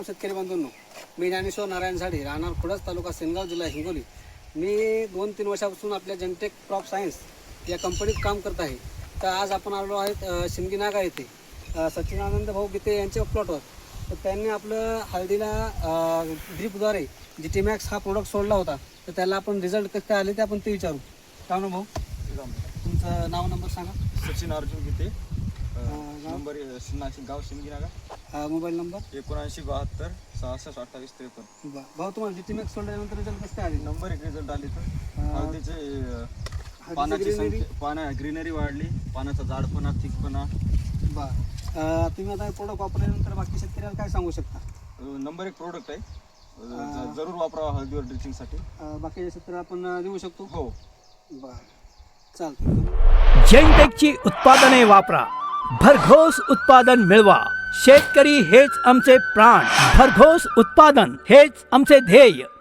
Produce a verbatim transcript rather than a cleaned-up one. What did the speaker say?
नमस्कार शेतकरी बंधूंनो, मी ज्ञानेश्वर नारायण झाडे, राहणार खुडस, तालुका सेनगाव, जिल्हा हिंगोली. मी दोन तीन वर्षापासून आपल्या जनटेक क्रॉप सायन्स या कंपनीत काम करत आहे. तर आज आपण आलो आहेत शिंदगीनागा येथे सच्चिदानंद भाऊ गीते यांच्या प्लॉटवर. तर त्यांनी आपलं हळदीला ड्रीपद्वारे जी टी मॅक्स हा प्रोडक्ट सोडला होता. तर त्याला आपण रिझल्ट कसं काय आले ते आपण ते विचारू. काय ना भाऊ, तुमचं नाव नंबर सांगा. सचिन अर्जुन गीते, नंबर नाशिक, गाव शिंदगीनागा, मोबाईल नंबर एकोणऐंशी बहात्तर सहासष्ट अठ्ठावीस त्रेपन्न. भाऊ, तुम्हाला जी टी मॅक्स सोडल्यानंतर रिझल्ट कसं काय आले? नंबर एक रिझल्ट आले. तर हळदीचे पानाची संख्या, पाना ग्रीनरी वाढली, पानाचा जाडपणा, थिकपणा. बरं, तुम्ही आता प्रोडक्ट वापरल्यानंतर बाकी शेतकऱ्याला काय सांगू शकता? नंबर एक प्रोडक्ट आहे, ज- जरूर वापरावा हळदीवर ड्रिचिंगसाठी. बाकीच्या शेतकऱ्याला आपण देऊ शकतो. हो, बरं, चालतं. जेनटेकची उत्पादने वापरा, भरघोस उत्पादन मिळवा. शेतकरी हेच आमचे प्राण, भरघोस उत्पादन हेच आमचे ध्येय.